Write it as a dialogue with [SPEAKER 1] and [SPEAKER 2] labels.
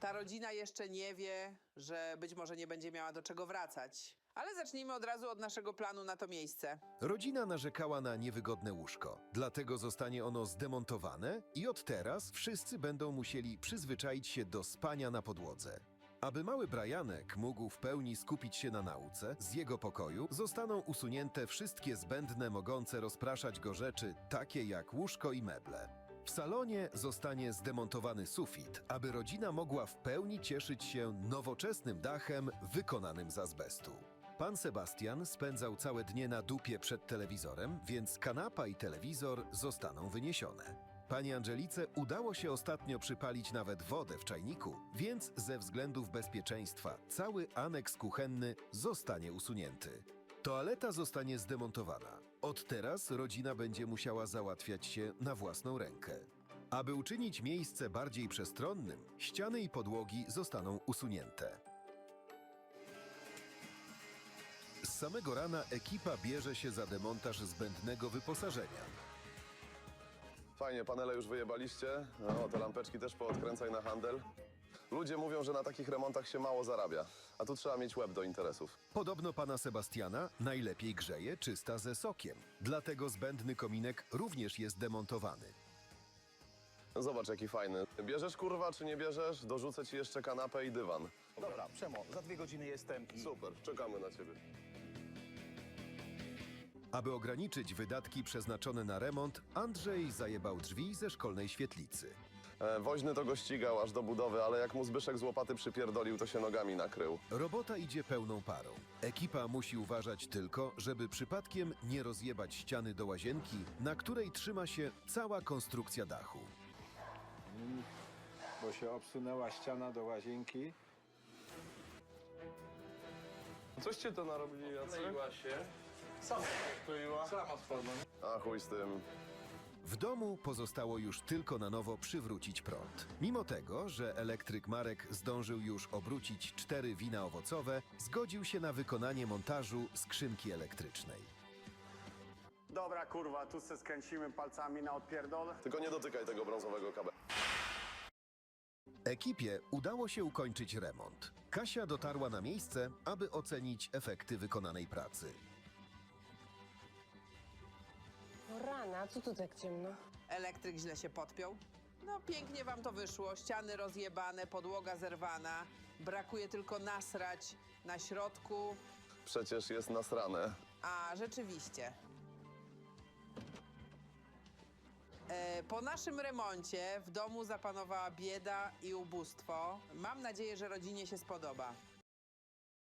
[SPEAKER 1] Ta rodzina jeszcze nie wie, że być może nie będzie miała do czego wracać. Ale zacznijmy od razu od naszego planu na to miejsce.
[SPEAKER 2] Rodzina narzekała na niewygodne łóżko, dlatego zostanie ono zdemontowane i od teraz wszyscy będą musieli przyzwyczaić się do spania na podłodze. Aby mały Brianek mógł w pełni skupić się na nauce, z jego pokoju zostaną usunięte wszystkie zbędne, mogące rozpraszać go rzeczy, takie jak łóżko i meble. W salonie zostanie zdemontowany sufit, aby rodzina mogła w pełni cieszyć się nowoczesnym dachem wykonanym z azbestu. Pan Sebastian spędzał całe dnie na dupie przed telewizorem, więc kanapa i telewizor zostaną wyniesione. Pani Angelice udało się ostatnio przypalić nawet wodę w czajniku, więc ze względów bezpieczeństwa cały aneks kuchenny zostanie usunięty. Toaleta zostanie zdemontowana. Od teraz rodzina będzie musiała załatwiać się na własną rękę. Aby uczynić miejsce bardziej przestronnym, ściany i podłogi zostaną usunięte. Z samego rana ekipa bierze się za demontaż zbędnego wyposażenia.
[SPEAKER 3] Fajnie, panele już wyjebaliście. No, te lampeczki też poodkręcaj na handel. Ludzie mówią, że na takich remontach się mało zarabia, a tu trzeba mieć łeb do interesów.
[SPEAKER 2] Podobno pana Sebastiana najlepiej grzeje czysta ze sokiem, dlatego zbędny kominek również jest demontowany.
[SPEAKER 3] Zobacz, jaki fajny. Bierzesz, kurwa, czy nie bierzesz? Dorzucę ci jeszcze kanapę i dywan.
[SPEAKER 4] Dobra, Przemo, za 2 godziny jestem i...
[SPEAKER 3] Super, czekamy na ciebie.
[SPEAKER 2] Aby ograniczyć wydatki przeznaczone na remont, Andrzej zajebał drzwi ze szkolnej świetlicy.
[SPEAKER 3] Woźny to go ścigał aż do budowy, ale jak mu Zbyszek z łopaty przypierdolił, to się nogami nakrył.
[SPEAKER 2] Robota idzie pełną parą. Ekipa musi uważać tylko, żeby przypadkiem nie rozjebać ściany do łazienki, na której trzyma się cała konstrukcja dachu.
[SPEAKER 5] Bo się obsunęła ściana do łazienki.
[SPEAKER 3] Coście to narobili, Jacek?
[SPEAKER 6] Kleiła się. Sama kleiła. Sama spadła.
[SPEAKER 3] A chuj z tym.
[SPEAKER 2] W domu pozostało już tylko na nowo przywrócić prąd. Mimo tego, że elektryk Marek zdążył już obrócić 4 wina owocowe, zgodził się na wykonanie montażu skrzynki elektrycznej.
[SPEAKER 7] Dobra, kurwa, tu se skręcimy palcami na odpierdol.
[SPEAKER 3] Tylko nie dotykaj tego brązowego kabela.
[SPEAKER 2] Ekipie udało się ukończyć remont. Kasia dotarła na miejsce, aby ocenić efekty wykonanej pracy.
[SPEAKER 8] O rana, co tu tak ciemno?
[SPEAKER 1] Elektryk źle się podpiął. No pięknie wam to wyszło. Ściany rozjebane, podłoga zerwana. Brakuje tylko nasrać na środku.
[SPEAKER 3] Przecież jest nasrane.
[SPEAKER 1] A, rzeczywiście. Po naszym remoncie w domu zapanowała bieda i ubóstwo. Mam nadzieję, że rodzinie się spodoba.